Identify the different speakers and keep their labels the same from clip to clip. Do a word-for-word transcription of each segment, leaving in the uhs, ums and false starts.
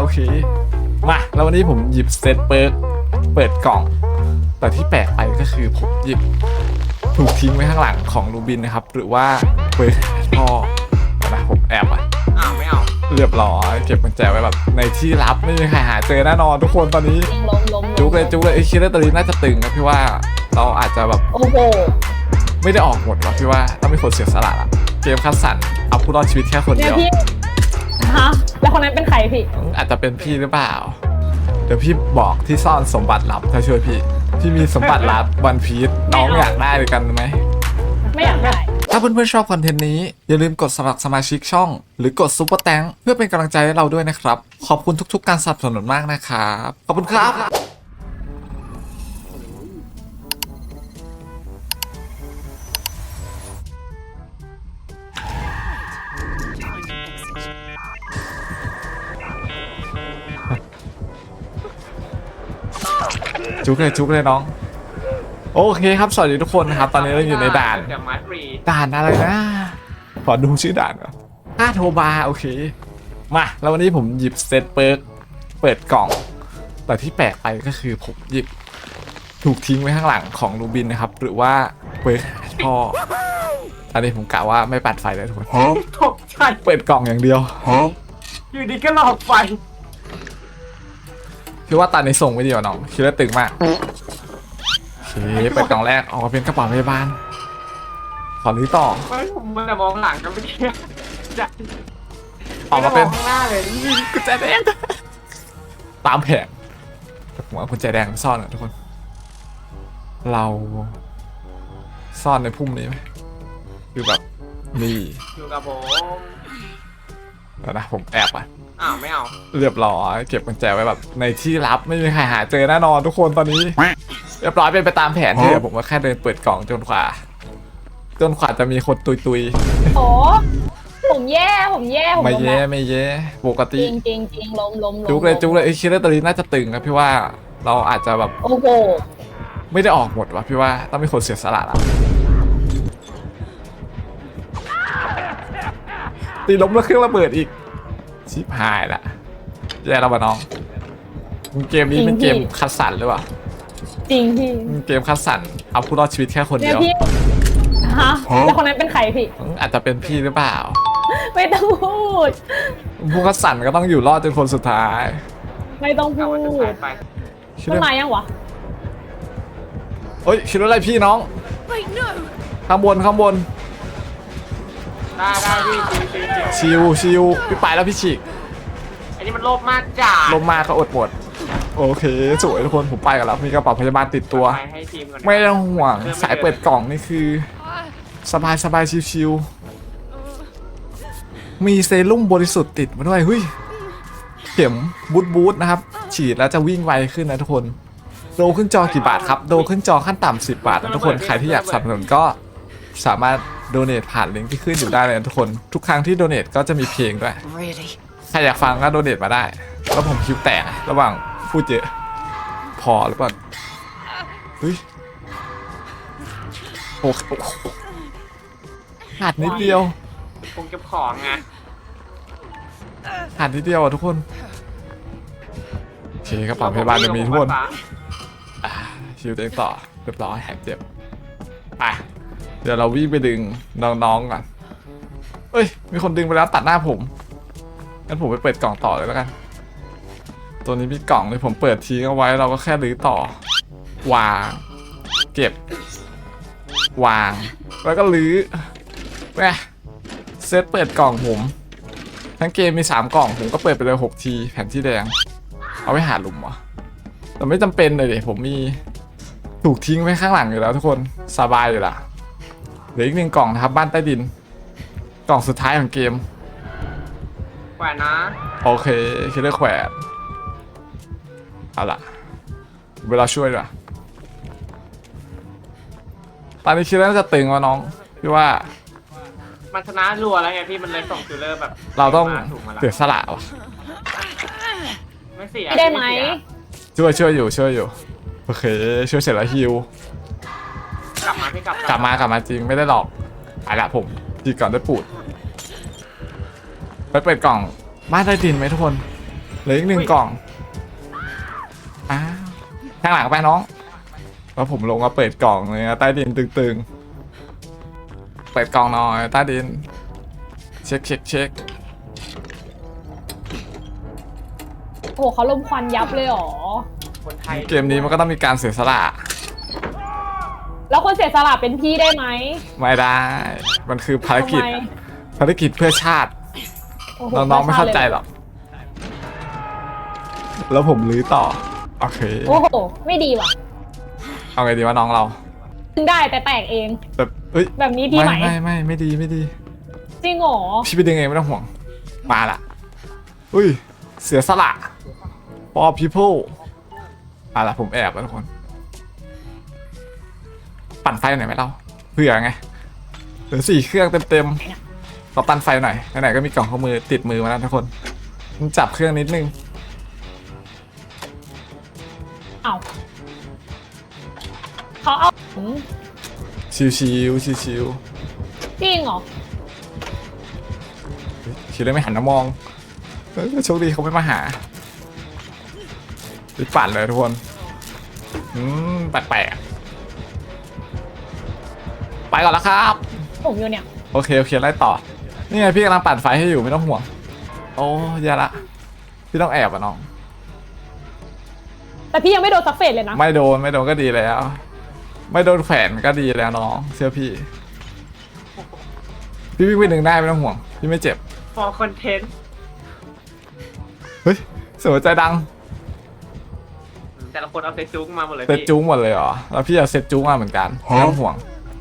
Speaker 1: โอเคมาแล้ววันนี้ผมหยิบเซตเปิร์กเปิดกล่องแต่ที่แปลกไปก็คือผมหยิบถูกทิ้งไว้ข้างหลังของลูบินนะครับหรือว่าเปิดท่อนะผมแอบอ่ะ
Speaker 2: อ้าวไม่เอา
Speaker 1: เรียบร้อยเก็บกุญแจไว้แบบในที่ลับไม่มีใครหาเจอแน่นอนทุกคนตอนนี้จุกเลยจุกเลยไอ้คิดว่าตอนนี้น่าจะตึงนะพี่ว่าเราอาจจะแบบ
Speaker 3: โอ้โห
Speaker 1: ไม่ได้ออกหมดหรอกพี่ว่าต้องมีคนเสียสละละเกมคัดสรรเอาผู้รอดชีวิตแค่คนเดียว
Speaker 3: ฮะแล้วคนนั้นเป็นใครพี่
Speaker 1: อาจจะเป็นพี่หรือเปล่าเดี๋ยวพี่บอกที่ซ่อนสมบัติลับถ้าช่วยพี่พี่มีสมบัติลับวันพีชน้องอยากได้ด้วยกันไหม
Speaker 3: ไม่อยากได้
Speaker 1: ถ้าเพื่อนๆชอบคอนเทนต์นี้อย่าลืมกดสมัครสมาชิกช่องหรือกดซุปเปอร์แตงเพื่อเป็นกำลังใจให้เราด้วยนะครับขอบคุณทุกๆการสนับสนุนมากนะครับขอบคุณครับจุกเลยจุกเลยน้องโอเคครับสวัสดีทุกคนนะครับตอนนี้เราอยู่ในด่านด่านอะไรนะขอดูชื่อด่านก่อนห้าโทบาโอเคมาแล้ววันนี้ผมหยิบเซตเปิร์กเปิดกล่องแต่ที่แปลกไปก็คือผมหยิบถูกทิ้งไว้ข้างหลังของลูบินนะครับหรือว่าเปิดท่ออันนี้ผมกะว่าไม่ปัดไฟเลยทุกคน
Speaker 2: ตกใจ
Speaker 1: เปิดกล่องอย่างเดียว
Speaker 2: อยู่ดีก็หลอกไฟ
Speaker 1: คือว่าตอนนี้ส่งไม่ดีกว่าน้องคิดว่าตึงมากโอเคเปิดกล่องแรกออกมาเป็นกระเป๋าพยาบาลขอรื้อต่อ
Speaker 2: ไม่ผมมันจะมองหลังกันไม่ได้จะ
Speaker 1: ออกมาเป็น
Speaker 2: ข้างหน้าเลย
Speaker 1: กุญแจแดงตามแผนผมเอากุญแจแดงซ่อนนะทุกคนเราซ่อนในพุ่มนี้ไหมคือแบบนี่
Speaker 2: อยู่กับผม
Speaker 1: แล้วนะผมแอบอ่ะ
Speaker 2: อ้าวไม่เอา
Speaker 1: เรียบร้อยเก็บกุญแจไว้แบบในที่ลับไม่มีใครหาเจอแน่นอนทุกคนตอนนี้เรียบร้อยเป็นไปตามแผนที่เดี๋ยวผมก็แค่เดินเปิดกล่องจนกว่าจนกว่าจะมีคนตุยตุย
Speaker 3: โอ้ผมแย่ผมแย่ผม
Speaker 1: ไม่แย่ไม่แย่ปกติ
Speaker 3: จริงจริงจริงล้มล้ม
Speaker 1: จุกเลยจุกเลยไอ้คิดว่าตอนนี้น่าจะตึงนะพี่ว่าเราอาจจะแบบ
Speaker 3: โอ้โห
Speaker 1: ไม่ได้ออกหมดว่ะพี่ว่าต้องมีคนเสียสละละตีล้มแล้วเครื่องระเบิดอีกชิบหายละแย่แล้ววะน้องเกมนี้เป็นเกมคัดสรรหรือเปล่า
Speaker 3: จริงพี่
Speaker 1: เกมคัดสรรเอาผู้รอดชีวิตแค่คนเดียว
Speaker 3: ฮะแล้วคนนั้นเป็นใครพี่
Speaker 1: อาจจะเป็นพี่หรือเปล่า
Speaker 3: ไม่ต้องพูด
Speaker 1: ผู้คัดสรรก็ต้องอยู่รอดจนคนสุดท้าย
Speaker 3: ไม่ต้องพูดมันมายังวะ
Speaker 1: เฮ้ยคิดว่าอะไรพี่น้องข้างบนข้างบน
Speaker 2: ได้ได้พี่
Speaker 1: ชิวชิวพี่ไปแล้วพี่ฉีก
Speaker 2: อันนี้มันโลภมากจ้า
Speaker 1: ลมมากก็อดหมดโอเคสวยทุกคนผมไปกันแล้วมีกระเป๋าพยาบาลติดตัวไม่ต้องห่วงสายเปิดกล่องนี่คือสบายสบายชิวๆมีเซรุ่มบริสุทธิ์ติดมาด้วยเฮ้ยเข็มบูทบูทนะครับฉีดแล้วจะวิ่งไวขึ้นนะทุกคนโดขึ้นจอกี่บาทครับโดขึ้นจอขั้นต่ำสิบบาทนะทุกคนใครที่อยากสนับสนุนก็สามารถโดเนทผ่านลิงก์ที่ขึ้นอยู่ได้เลยนะทุกคนทุกครั้งที่โดเนทก็จะมีเพลงด้วยใครอยากฟังก็โดเนทมาได้แล้วผมคิวแตกระหว่างพูดเยอะพอหรือเปล่าเฮ้ยโอ้โหขาดนิดเดียว
Speaker 2: คงเก็บของไง
Speaker 1: ขาดนิดเดียวอ่ะทุกคนโอเคกระเป๋าพยาบาลจะมีทุกคนคิวเต็งต่อเรียบร้อยแหกเจ็บไปเดี๋ยวเราวิ่งไปดึงน้องๆก่อนเอ้ยมีคนดึงไปแล้วตัดหน้าผมงั้นผมไปเปิดกล่องต่อเลยแล้วกันตัวนี้มีกล่องเลยผมเปิดทิ้งเอาไว้เราก็แค่รื้อต่อวางเก็บวางแล้วก็รื้อแม่เซตเปิดกล่องผมทั้งเกมมีสามกล่องผมก็เปิดไปเลยหกทีแผ่นที่แดงเอาไว้หาหลุมวะแต่ไม่จำเป็นเลยดิผมมีถูกทิ้งไว้ข้างหลังอยู่แล้วทุกคนสบายอยู่ละเหลืออีกหนึ่งกล่องนะครับบ้านใต้ดินกล่องสุดท้ายของเกม
Speaker 2: แขวนนะ
Speaker 1: โอเคคิดเรื่องแขวนเอาล่ะเวลาช่วยด้วยตอนนี้คิดว่าจะตึงวะน้องพี่ว่า
Speaker 2: มันชนะรัวแล้วไงพี่มันเลยส่งคิลเลอร์แบบ
Speaker 1: เราต้องเสียสละวะ
Speaker 2: ไม่เสีย
Speaker 3: ได้ไหม
Speaker 1: ช่วยช่วยอยู่ช่วยอยู่โอเคช่วยเสร็จแล้วฮิว
Speaker 2: กลับมาพี่กลับ
Speaker 1: กลับมากลับมาจริงไม่ได้หลอกไปละผมจีก่อนได้ปูดไปเปิดกล่องบ้านใต้ดินไหมทุกคนเหลืออีกหนึ่งกล่องอ้าวข้างหลังไปน้องแล้วผมลงมาเปิดกล่องเลยนะใต้ดินตึงๆเปิดกล่องหน่อยใต้ดินเช็คเช็คเช็ค
Speaker 3: โอ้โหเขาลมควันยับเลยเหรอ
Speaker 2: คนไทย
Speaker 1: เกมนี้มันก็ต้องมีการเสียสละ
Speaker 3: แล้วคนเสียสละเป็นพี่ได้ไหม
Speaker 1: ไม่ได้ มันคือภารกิจ
Speaker 3: ทำไม
Speaker 1: ภารกิจเพื่อชาติ
Speaker 3: โอ้โห
Speaker 1: น้องๆไม่เข้าใจหรอก แล้วผมลื้อต่อ โอเค
Speaker 3: โอ้โหไม่ดีว่ะ
Speaker 1: เอาไงดีว่าน้องเรา
Speaker 3: ดึงได้แต่แตกเอง
Speaker 1: แบบเอ้ย
Speaker 3: แบบนี้ดี
Speaker 1: ไม่
Speaker 3: ไหม
Speaker 1: ไม่ไม่ไม่ดีไม่ดี
Speaker 3: จริงเหรอ
Speaker 1: พี่ไปดึงเองไม่ต้องห่วง มาละอุ้ย เสียสละ for people มาละผมแอบแล้วทุกคน ปั่นไฟหน่อยไหมเราเผื่อไงเหลือสี่เครื่องเต็มๆเราปั่นไฟหน่อยไหนๆก็มีกล่องข้อมือติดมือมาแล้วทุกคนมันจับเครื่องนิดนึง
Speaker 3: เอาเขาเอา
Speaker 1: ชิวชิวชิวชิว
Speaker 3: จริงเหรอ
Speaker 1: ๆคิดเลยไม่หันมามองเอ้ยโชคดีเขาไม่มาหาไปปั่นเลยทุกคนอืมแปลกๆไปก่อนแล้วครับ
Speaker 3: ผมอยู่เนี่ย
Speaker 1: โอเคโอเคไล่ต่อนี่ไงพี่กำลังปั่นไฟให้อยู่ไม่ต้องห่วงโอ้ยาละพี่ต้องแอบอ่ะน้อง
Speaker 3: แต่พี่ยังไม่โดนซักเฟสเลยนะ
Speaker 1: ไม่โดนไม่โดนก็ดีแล้ว ไม่โดนแขวนก็ดีแล้วน้องเชื่อพี่ พี่วิ่งไปหนึ่งได้ไม่ต้องห่วงพี่ไม่เจ็บ
Speaker 2: ฟอร์คอนเทนต์
Speaker 1: เฮ้ยเสียงหัวใจดัง
Speaker 2: แต่ละคนเอาเซตจุกมาหมดเลย
Speaker 1: เซต
Speaker 2: พี่
Speaker 1: จูงหมดเลยเหรอแล้วพี่เอาเซตจูงมาเหมือนกันไม่ต้องห่วง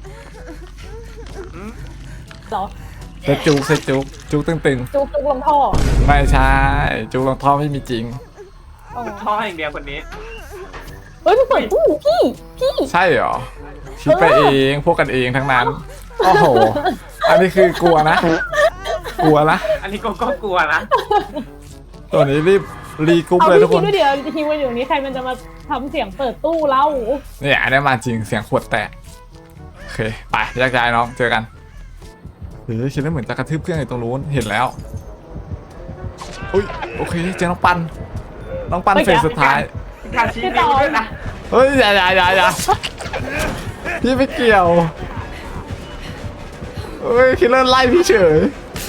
Speaker 3: เหรอ
Speaker 1: เซตจูงเซตจูงจูงตึง
Speaker 3: จุกจุกลงท่อ
Speaker 1: ๆไม่ใช่จูงลงท่อไม่มีจริง
Speaker 3: อ๋อ
Speaker 2: ท่ออย่างเดียวคนนี้
Speaker 3: เฮ้ยพี่เปิดตู้พี่พี่
Speaker 1: ใช่เหรอคิดไปเองพวกกันเองทั้งนั้นโอ้โหอันนี้คือกลัวนะ กลัวนะ
Speaker 2: อันนี้ก็ก็กลัวนะ
Speaker 1: ตัวนี้รีบรีกรุ๊ป
Speaker 3: เอา
Speaker 1: เลยทุ
Speaker 3: พี่
Speaker 1: กค
Speaker 3: คิด
Speaker 1: น
Speaker 3: ด้วยเดี๋ยวทีวันอยู่นี้ใครมันจะมาทำเสียงเปิดตู้เล่า
Speaker 1: เนี่ยอันนี้มาจริงเสียงขวดแตกโอเคไปแยกย้ายน้องเจอกันเฮ้ยคิดว่าเหมือนจะกระทืบเครื่องอยู่ตรงนู้นเห็นแล้วอุ้ยโอเคเจอน้องปันน้องปันเฟสสุดท้าย
Speaker 2: การชี้นิ้วด้วยนะ
Speaker 1: เฮ้ยอย่าอย่าอย่าอย่าพี่ไม่เกี่ยวเฮ้ยคิดเล่นไล่พี่เฉย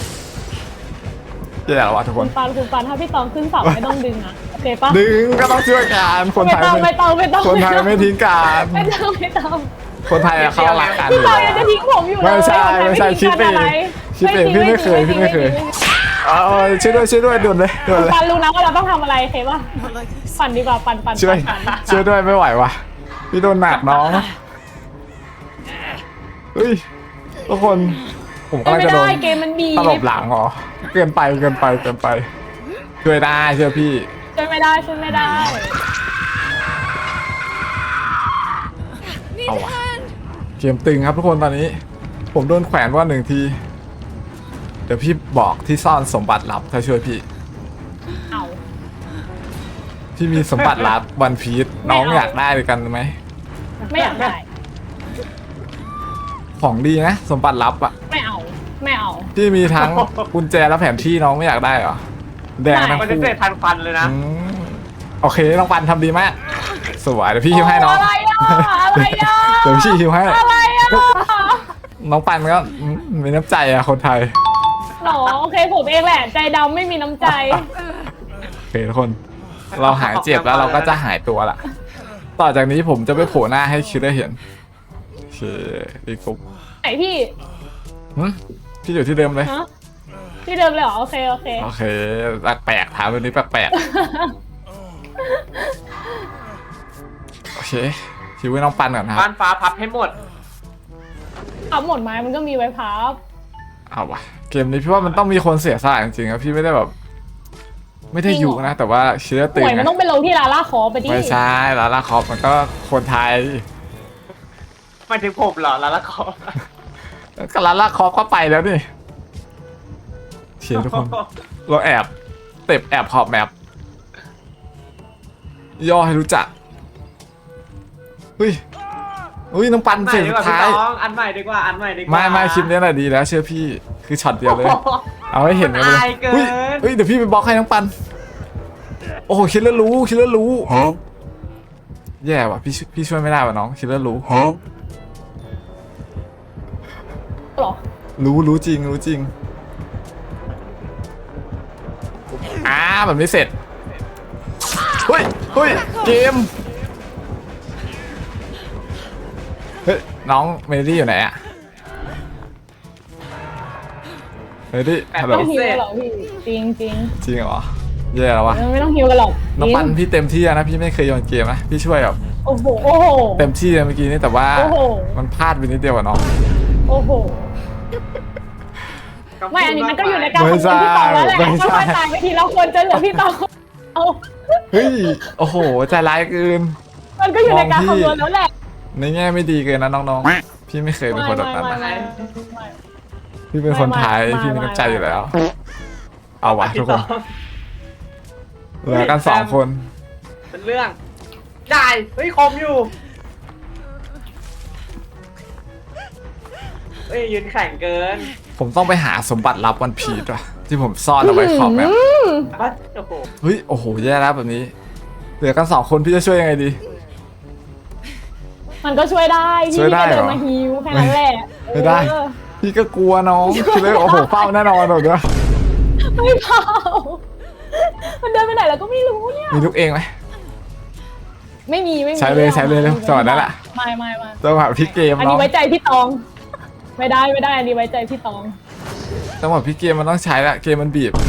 Speaker 1: อย่าอย่าละวะทุกค
Speaker 3: คุ
Speaker 1: น
Speaker 3: ณปันคุณปันถ้าพี่ตองขึ้นเสาไม่ต้องดึงนะโอเคปะ
Speaker 1: ดึงก็ต้องช่วยกันคน
Speaker 3: ไม่
Speaker 1: ไทย
Speaker 3: ต้องไม่ต้องไม่ต้อง
Speaker 1: คนไทยไม่ทิ้งกัน
Speaker 3: ไม่ต้องไม่ต้อง
Speaker 1: คนไทยอะเขารักกันอ
Speaker 3: พี่
Speaker 1: ยู่
Speaker 3: ตอง
Speaker 1: แล้ว
Speaker 3: ยังจะทิ้งผมอยู่เลย
Speaker 1: ไม่ใช่ไม่ใช่คิดเองคิดเองพี่ไม่เคยพี่ไม่เคยเอาช่วยด้วยช่วยด้วยด่วนเลยด่วนเลย
Speaker 3: ปันรู้นะว่าเราต้องทำอะไรเคปะปั่นดีกว่าปั่นปั่น
Speaker 1: ช่วย
Speaker 3: ปั่นปั่น
Speaker 1: ช่วยด้วยไม่ไหววะพี่โดนหนักน้องเฮ้ยทุกคนผมกำลัง
Speaker 3: ไม่
Speaker 1: จะโด
Speaker 3: ได้
Speaker 1: น
Speaker 3: เกมมันบี
Speaker 1: ตลบหลังเหรอเกินไปเกินไปเกินไปช่วยได้เชื่อพี่
Speaker 3: ช่วยไม่ได้ช่วยไม่ได้
Speaker 1: เอาวะเกมตึงครับทุกคนตอนนี้ ผมโดนแขวนว่าหนึ่งทีเดี๋ยวพี่บอกที่ซ่อนสมบัติลับถ้าช่วยพี่
Speaker 3: เอา
Speaker 1: พี่มีสมบัติลับวันพีชน้องอยากได้ด้วยกันไหม
Speaker 3: ไม่อยากได้
Speaker 1: ของดีนะสมบัติลับอะ
Speaker 3: ไม่เอาไม่เอา
Speaker 1: พี่มีทั้งกุญแจและแผนที่น้องไม่อยากได้เหรอแดงทั้ง
Speaker 2: มันจะ
Speaker 1: คู่
Speaker 2: เสร็จทันฟันเลยนะ
Speaker 1: อืมโอเคน้องปันทำดีมากสวยเดี๋ยวพี่ฮิวให้น้อง
Speaker 3: อะไรอ่ะอะไรอ่ะ
Speaker 1: เดี๋ยวพี่ฮิวให้
Speaker 3: อะไรอ่ะ
Speaker 1: น้องปันก็อืมมีน้ำใจอะคนไทย
Speaker 3: หรอโอเคผมเองแหละ ใจดำไม่มีน้ำใจ
Speaker 1: โอเคทุกคน เราหายเจ็บแล้วเราก็จะหายตัวละต่อจากนี้ผมจะไปโผล่หน้าให้คิดได้เห็นโอเคดีกุ๊บ
Speaker 3: ไหนพี่
Speaker 1: หึพี่อยู่ที่เดิมเลย
Speaker 3: ฮะที่เดิมเลยเหรอโอเคโอเค
Speaker 1: โอเคแปลกๆถามวันนี้แปลกๆโอเคคิวไว้น้องปันก่อนนะครับ
Speaker 2: บ้านฟ้าพับให้หมด
Speaker 3: เอาหมดไม้มันก็มีไว้พับ
Speaker 1: เอาวะเกมนี้พี่ว่ามันต้องมีคนเสียสละจริงๆครับพี่ไม่ได้แบบ ไม่ได้อยู่นะ แต่ว่าเชื้อ
Speaker 3: ห
Speaker 1: ตึง
Speaker 3: วยมัน
Speaker 1: นะ
Speaker 3: ต้องไปลงที่ลาล่าคอไปดิ
Speaker 1: ไม่ใช่ลาลาคอปมันก็คนไทย
Speaker 2: หมายถึงผมเหรอลาละคอ
Speaker 1: ก็ลาลาคอปก็ไปแล้วนี่เชียร์ทุกคน เราแอบเต็บแอบขอบแมปย่อให้รู้จักเฮ้ยอุ้ยน้องปัน
Speaker 2: อันให
Speaker 1: เสี
Speaker 2: ม่
Speaker 1: ยง
Speaker 2: ดี
Speaker 1: สุ
Speaker 2: กว่า
Speaker 1: ด
Speaker 2: พี่
Speaker 1: ท้าย
Speaker 2: น้องอันใหม่ดีกว่าอันใหม่ดีกว่า
Speaker 1: ไม่ไม่คลิปนี้แหละดีแล้วเชื่อพี่คือช็อตเดียวเลย เอาให้เห็นกันไปเลย
Speaker 2: อายเกิน
Speaker 1: อุ้ยเฮ้ยเดี๋ยวพี่ไปบล็อกให้น้องปันโอ้โหคิดแล้วรู้คิดแล้วรู้แย่ว่ะพี่พี่ช่วยไม่ได้ว่ะน้องคิดแล้วรู้
Speaker 3: หรอ
Speaker 1: รู้รู้จริงรู้จริงอ่าแบบนี้เสร็จเฮ้ยเฮ้ยเกมเฮ้ยน้องเมลี่อยู่ไหนอะเมลี่ฮัลโหล
Speaker 3: ต้องฮิวกันหรอพี่จริงจริง
Speaker 1: จริงเหรอแย่แล้ววะ
Speaker 3: ไม่ต้องฮิวกันหรอก
Speaker 1: น้องปันพี่เต็มที่นะพี่ไม่เคยโยนเกมนะพี่ช่วยแบบ
Speaker 3: โอ้โหโอ้โห
Speaker 1: เต็มที่เลยเมื่อกี้นี่แต่ว่า
Speaker 3: โอ้โห
Speaker 1: มันพลาดไปนิดเดียวอะน้อง
Speaker 3: โอ้โหไม่อันนี้มันก็อยู่ในการของคนพี่ตองแล้วแหละค่อยๆตายไปทีละคนจนเหลือพี่ตองเอา
Speaker 1: เฮ้ยโอ้โหใจร้ายเกิน
Speaker 3: มันก็อยู่ในการคำนวณแล้วแหละ
Speaker 1: ในแง่ไม่ดีเกินนะน้องๆพี่ไม่เคยเป็นคนแบบนั้นนะ
Speaker 3: ไม่
Speaker 1: พี่เป็นคนไทย
Speaker 3: ไม่ไม่
Speaker 1: พี่มีน้ำใจ
Speaker 3: ไม่
Speaker 1: อยู่แล้ว เอาวะทุกคน
Speaker 2: พี่
Speaker 1: เหลือกันสองคน
Speaker 2: เป็นเรื่องได้เฮ้ยคมอยู่เฮ้ยยืนแข่งเกิน
Speaker 1: ผมต้องไปหาสมบัติลับวันพีชว่ะที่ผมซ่อนเอาไว้ขอบแมป
Speaker 2: อ่ะโอ้โห
Speaker 1: เฮ้ยโอ้โหแย่แล้วแบบนี้ เหลือกันสองคนพี่จะช่วยยังไงดี
Speaker 3: มันก็ช่วยได้
Speaker 1: ช่
Speaker 3: พี่
Speaker 1: วยได้
Speaker 3: ก็
Speaker 1: เหรอ
Speaker 3: เดินมาฮิวแค่นั้นแหละ
Speaker 1: ไม่ได้
Speaker 3: เออ
Speaker 1: พี่ก็กลัวน้องคิดเลยโอ้โหเฝ้าแน่นอนเลยด้วย
Speaker 3: ไม่เผามันเดินไปไหนแล้วก็ไม่รู้เนี่ย
Speaker 1: มีลูกเองไหม
Speaker 3: ไม่มีไม่มี
Speaker 1: ใช้เลยใช้เลยเร็วจังหวะนั้นแหละ
Speaker 3: ไม่ไม่ไม่
Speaker 1: จังหวะพี่เกม
Speaker 3: อัน
Speaker 1: น้อ
Speaker 3: นี้
Speaker 1: ง
Speaker 3: ไว้ใจพี่ตอง ไม่ได้ไม่ได้อันนี้ไว้ใจพี่ตอง
Speaker 1: จังหวะพี่เกมมันต้องใช้ละเกมมันบีบ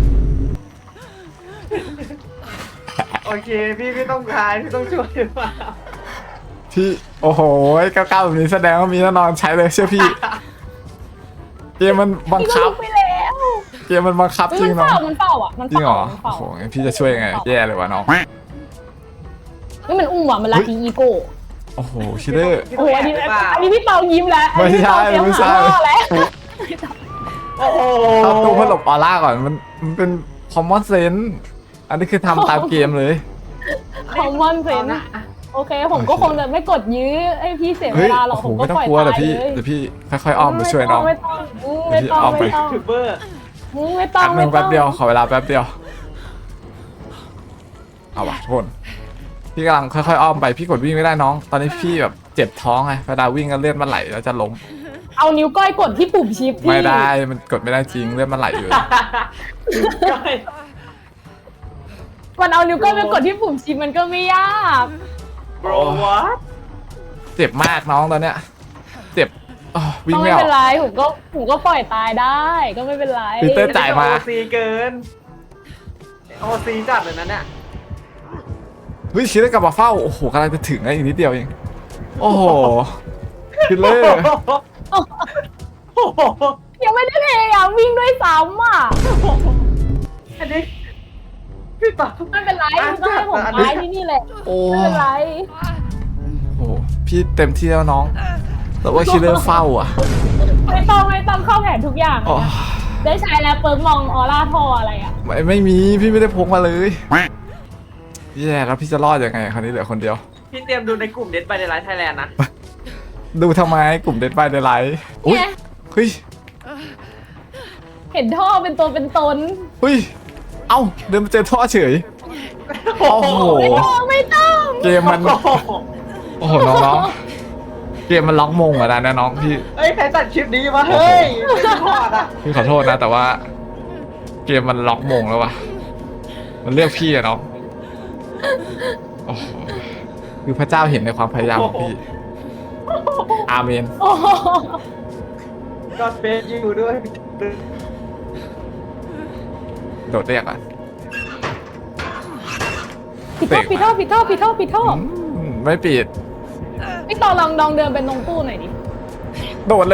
Speaker 2: โอเคพี่พี่ต้องทายพี่ต้องช่วยหรือเปล่า
Speaker 1: พี่โอ้โหก้าวๆแบบนี้แสดงว่ามีแน่นอนใช้เลยเชื่อพี่ เกมมันบัง
Speaker 3: พี่ก็
Speaker 1: คับ
Speaker 3: ลุกไปแล้ว
Speaker 1: เกมมันบังคับจริง
Speaker 3: มัน
Speaker 1: น้อ
Speaker 3: เฝ้าง มันเฝ้าอ่ะมัน
Speaker 1: จริงเหร
Speaker 3: เฝ้า
Speaker 1: อ
Speaker 3: มัน
Speaker 1: โอ้
Speaker 3: เฝ้า
Speaker 1: โหงั้นพี่จะช่วยยังไงแย่เลยวะน้อง
Speaker 3: นี่มันอุ้มว่ะมันลาทีอีโก้
Speaker 1: โอ้โหคิดเลอร์
Speaker 2: พี่
Speaker 3: โอ้
Speaker 2: ต้
Speaker 3: โห
Speaker 2: ง
Speaker 3: อัน
Speaker 2: แอบ
Speaker 3: นี้
Speaker 2: หรือเปล่า
Speaker 3: อันนี้พี่ตองยิ้มแล้ว
Speaker 1: ไม่ใช่
Speaker 3: อันนี้
Speaker 1: ไม่
Speaker 3: พี่
Speaker 1: ใช่
Speaker 3: ตองเตรียมหาพ่อแล้ว
Speaker 2: โอ้โห
Speaker 1: เอาตู้เพื่อหลบออร่าก่อนมันมันเป็น common sense อันนี้คือทำตามเกมเลย
Speaker 3: คอมมอนเซน
Speaker 2: นะ
Speaker 3: โอเค ผมก็คงจะไม่กดยื้อให้พี่เสียเว
Speaker 1: เฮ้ย
Speaker 3: ลาหรอก
Speaker 1: โอ้โห
Speaker 3: ผมก็
Speaker 1: ไม่ต้อ
Speaker 3: ป
Speaker 1: ง
Speaker 3: ล่อย
Speaker 1: กลัว
Speaker 3: ตา
Speaker 1: เดี๋ย
Speaker 3: ยว
Speaker 1: พี่
Speaker 3: เลย
Speaker 1: เดี๋ยวพี่ค่อยๆอ้อมไปช่วยน้อง
Speaker 3: ไม่ต้องไม่ต้อง
Speaker 1: เดี๋ยวพี่อ้อมไป
Speaker 3: ไม่ต้อง
Speaker 2: ทูบเบอร์
Speaker 3: ไม่ต้อง
Speaker 1: แป๊บนึ
Speaker 3: ไม่
Speaker 1: ง
Speaker 3: ต้
Speaker 1: แป๊
Speaker 3: อบ ง
Speaker 1: เดียวขอเวลาแป๊บเดียวเอาวะทุกคนพี่กำลังค่อยๆอ้อมไปพี่กดวิ่งไม่ได้น้อง ตอนนี้พี่แบบเจ็บท้องไงเวลาวิ่งก็เลือดมันไหลแล้วจะล้ม
Speaker 3: เอานิ้วก้อยกดที่ปุ่มชิปพี่
Speaker 1: ไม่ได้มันกดไม่ได้จริงเลือดมันไหลอยู่
Speaker 2: ก้อย
Speaker 3: มันเอานิ้วก้อยไปกดที่ปุ่มชิปมันก็ไม่ยาก
Speaker 2: โบรวัต
Speaker 1: เจ็บมากน้องตอนเนี้ยเจ็บอ้อวิ่
Speaker 3: ก็
Speaker 1: ง
Speaker 3: ไม่
Speaker 1: ไม่ออ
Speaker 3: เป็น
Speaker 1: ก
Speaker 3: ไรผมก็ผมก็ปล่อยตายได้ก็ไม่เป็นไร
Speaker 1: ปีเตอร์ จ่ายมา
Speaker 2: โอซีเกินโอซีจัดเลยนั้นเนี่ย
Speaker 1: เฮ้ยคิดได้กลับมาเฝ้าโอ้โหกำลังจะถึงแล้วอีกนิดเดียวเองโอ้โหคิดเลย
Speaker 2: โอ้โห
Speaker 3: ยังไม่ได้พยายามวิ่งด้วยซ้ำอ่ะ
Speaker 2: อันนี้พี่ต่อ
Speaker 3: ไม่เป็นไรคุณก็ให้ผมตายที่นี่แหละ
Speaker 1: โอ้
Speaker 3: ไม่เป็นไร
Speaker 1: โหพี่เต็มที่แล้วน้อง แต่ว่าคิดเรื่องเฝ้าอ่ะ
Speaker 3: ไม่ต้องไม่ต้องเข้าแผนทุกอย่าง
Speaker 1: อ๋อ
Speaker 3: ได้ใช้แล้วเปิร์กมองออร่าทออะไรอ่ะ
Speaker 1: ไม่ไม่มีพี่ไม่ได้พกมาเลยแย่แล้วพี่จะรอดยังไงคราวนี้เหลือคนเดียว
Speaker 2: พี่เตรียมดูในกลุ่มเด็ดไปในไลฟ์ไทยแลนด์นะ
Speaker 1: ดูทำไมกลุ่มเด็ดบายเดลไลท์อุ้ย
Speaker 3: เนี่ย
Speaker 1: เฮ้ย
Speaker 3: เห็นท่อเป็นตัวเป็นตน
Speaker 1: เฮ้ยเอ้าเดินมาเจอท่อเฉยโอ้โห
Speaker 3: ไม่ต้องไม่ต้อง
Speaker 1: เกมมัน
Speaker 2: โอ้โห
Speaker 1: โอ้โหน้องๆเกมมันล็อกมงเหรอนะเนี่ยน้องพี่
Speaker 2: เฮ้ยใครตัดคลิปนี้มาเฮ้ยไม่พอดอ่ะ
Speaker 1: พี่ขอโทษนะ แต่ว่า เกมมันล็อกมงแล้ววะมันเลือกพี่อะน้องโอ้โหคือพระเจ้าเห็นในความพยายามของพี่อาเมน
Speaker 3: โอ้โห
Speaker 2: ก็เฟซอยู่ด้วย
Speaker 1: โดดเรียกอ่ะ
Speaker 3: ปิดท่อปิดท่อปิดท่อปิดท่อปิดท่อ
Speaker 1: อืมไม่ปิด
Speaker 3: พี่ต่อลองลองเดินเป็นตรงตู้หน่อยดิ
Speaker 1: โดดเลย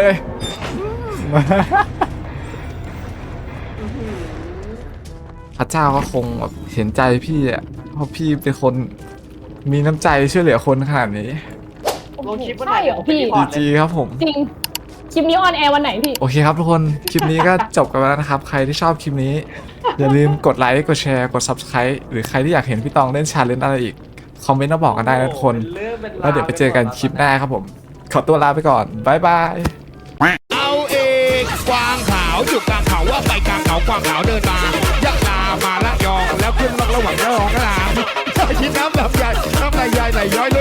Speaker 1: พระเจ้าก็คงแบบเห็นใจพี่อ่ะเพราะพี่เป็นคนมีน้ำใจช่วยเหลือคนขนาดนี้
Speaker 2: ลงคลิปวันไหน
Speaker 3: ใช่เหรอพี่
Speaker 1: ดีจีครับผม
Speaker 3: จริง คลิปนี้ออนแอร์วันไหนพี่
Speaker 1: โอเคครับทุกคน คลิปนี้ก็จบกันไปแล้วนะครับ ใครที่ชอบคลิปนี้ อย่าลืมกดไลค์ กดแชร์ กด Subscribe หรือใครที่อยากเห็นพี่ตองเล่นชาเลนจ์อะไรอีก คอมเมนต์มาบอกกันได้นะทุกคน แล้วเดี๋ยวไปเจอกันคลิปหน้าครับผม ขอตัวลาไปก่อน บ๊ายบาย
Speaker 4: เอาเองกวางขาวอยู่กลางเขาว่าไปกลางเขากวางขาวเดินมายักษ์ลาวมาละยองแล้วขึ้นล็อกระหว่างระหองกระหางคิดน้ำแบบใหญ่น้ำลายใหญ่ไหลย้อย